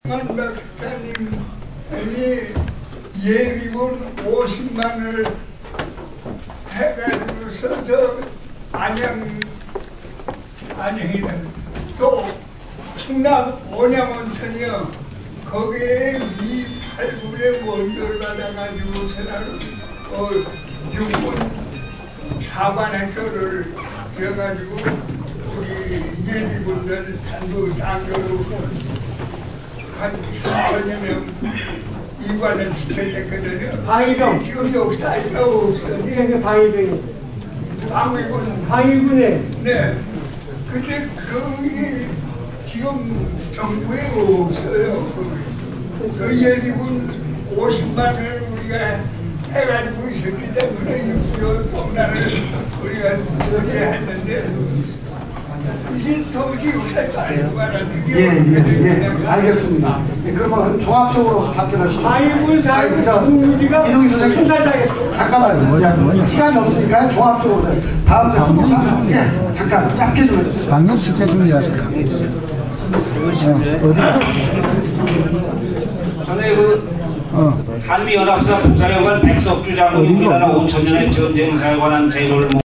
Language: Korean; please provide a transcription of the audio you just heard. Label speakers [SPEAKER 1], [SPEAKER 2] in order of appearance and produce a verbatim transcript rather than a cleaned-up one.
[SPEAKER 1] 만 박사님이 예비군 오십만을 해가지고서 저 안양, 안양이는 또 충남 온양온천이요. 거기에 미팔군의 원조를 받아가지고서는 어, 육군 사관학교를 해가지고 우리 예비군들 전부 장교로 한 삼천여 명 이관을 시켜줬거든요.
[SPEAKER 2] 방위병.
[SPEAKER 1] 지금 역사가 없으니.
[SPEAKER 2] 이게 방위병이.
[SPEAKER 1] 방위군.
[SPEAKER 2] 방위군에.
[SPEAKER 1] 네. 근데 그게 지금 정부에 없어요. 그 예비군 오십만을 우리가 해가지고 있었기 때문에 육이오 동란을 우리가 저지했는데 이게 도무지 역사가 아니고 말하는 게.
[SPEAKER 3] 예, 예, 예. 알겠습니다. 예, 그러면 종합적으로 답변하시죠.
[SPEAKER 2] 방위군 사회는 우리가
[SPEAKER 3] 이동희 선생님.
[SPEAKER 2] 총살당했어.
[SPEAKER 3] 잠깐만요. 시간이 없으니까 종합적으로. 다음 주 한국사. 예, 잠깐 짧게 좀 해주세요.
[SPEAKER 4] 강력 축제 준비하세요.
[SPEAKER 5] 전에 그
[SPEAKER 4] 어.
[SPEAKER 5] 한미연합사 국사령관 백석주 장군이 우리나라 오천 년의 전쟁사에 관한 제도를